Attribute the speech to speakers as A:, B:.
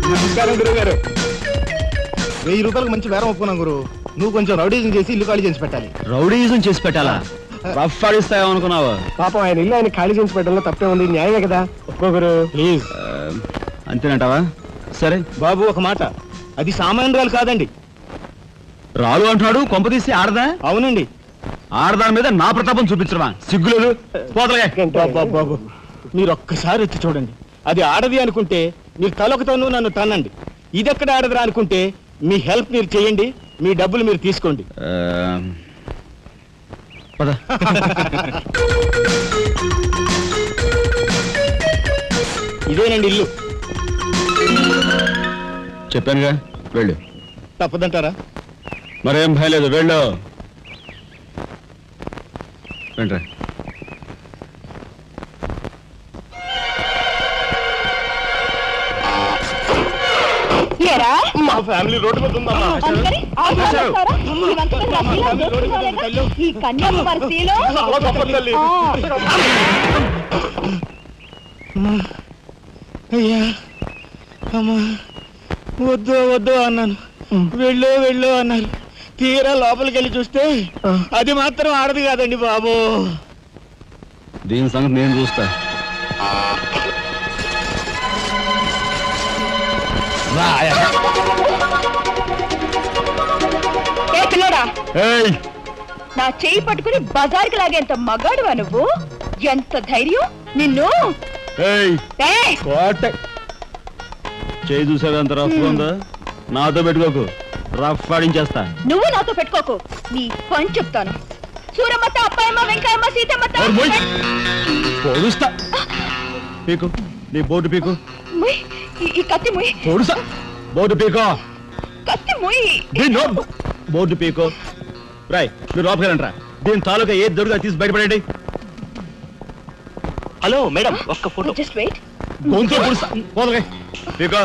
A: నమస్కారం గురువు గారు. 1000 రూపాయలకు మంచి బేరం ఒప్పుకున్నాం గురు. నువ్వు కొంచెం రౌడీజం చేసి ఇల్లు ఖాళీ చేసి పెట్టాలి.
B: రౌడీజం చేసి పెట్టాలా? రఫ్ ఆడిస్తాయో అనుకున్నావా?
A: పాపం ఆయన ఇల్లు ఆయన ఖాళీ చేసి పెట్టడంలో తప్పే ఉంది. న్యాయమే కదా, ఒప్పుకో గురు ప్లీజ్.
B: అంతేనంటావా? సరే
A: బాబు ఒక మాట, అది సామాన్యురాలు కాదండి.
B: రాలు అంటున్నాడు. కొంపదీసి ఆడదా?
A: అవునండి.
B: ఆడదాని మీద నా ప్రతాపం చూపించడమా? సిగ్గులేదు.
A: బాబు మీరు ఒక్కసారి వచ్చి చూడండి. అది ఆడది అనుకుంటే మీరు తలొకతోనూ నన్ను తన్నండి. ఇదెక్కడ ఆడదురా అనుకుంటే మీ హెల్ప్ మీరు చేయండి, మీ డబ్బులు మీరు తీసుకోండి.
B: పద.
A: ఇదేనండి ఇల్లు.
B: చెప్పానుగా, వెళ్ళు.
A: తప్పదంటారా?
B: మరేం భయం లేదు, వెళ్ళు. వెంట్రా.
A: మా ఫ్యామిలీ రోడ్డు మీద ఉందమ్మా.
C: ఈ కన్యాకుమారిలో
A: అయ్యా అమ్మా, వద్దు వద్దు అన్నాను, వెళ్ళు వెళ్ళు అన్నారు. తీరా లోపలికి వెళ్ళి చూస్తే అది మాత్రం ఆడదు కాదండి బాబు.
B: దీని సంగతి నేను చూస్తా.
C: నా చెయ్యి పట్టుకుని బజార్కి లాగేంత మగాడువా నువ్వు? ఎంత ధైర్యం నిన్ను!
B: చేయి చూసావు ఎంత రఫ్ ఉందా? నాతో పెట్టుకోకు, రఫ్ ఆడించేస్తా.
C: నువ్వు నాతో పెట్టుకోకు, నీ పని చెప్తాను. సూరమ్మత, అప్పాయమ్మ, వెంకాయమ్మ, సీతమ్మత
B: పొడుస్తా. పీకు, నీ బోర్డు పీకు.
C: ఈ కత్తి ముయ్.
B: పొడుస్తా. బోర్డు పీకో.
C: కత్తి ముయ్.
B: బోర్డు పీకో. రాయ్, మీరు లోపకెళ్ళంట్రా. దీని తాలూకా ఏది దొరుకుతా తీసి బయటపడండి.
A: హలో మేడం, ఒక్క ఫోటో.
C: Just wait.
B: గొంతు పొడుస్తా. పోదగా పీకో.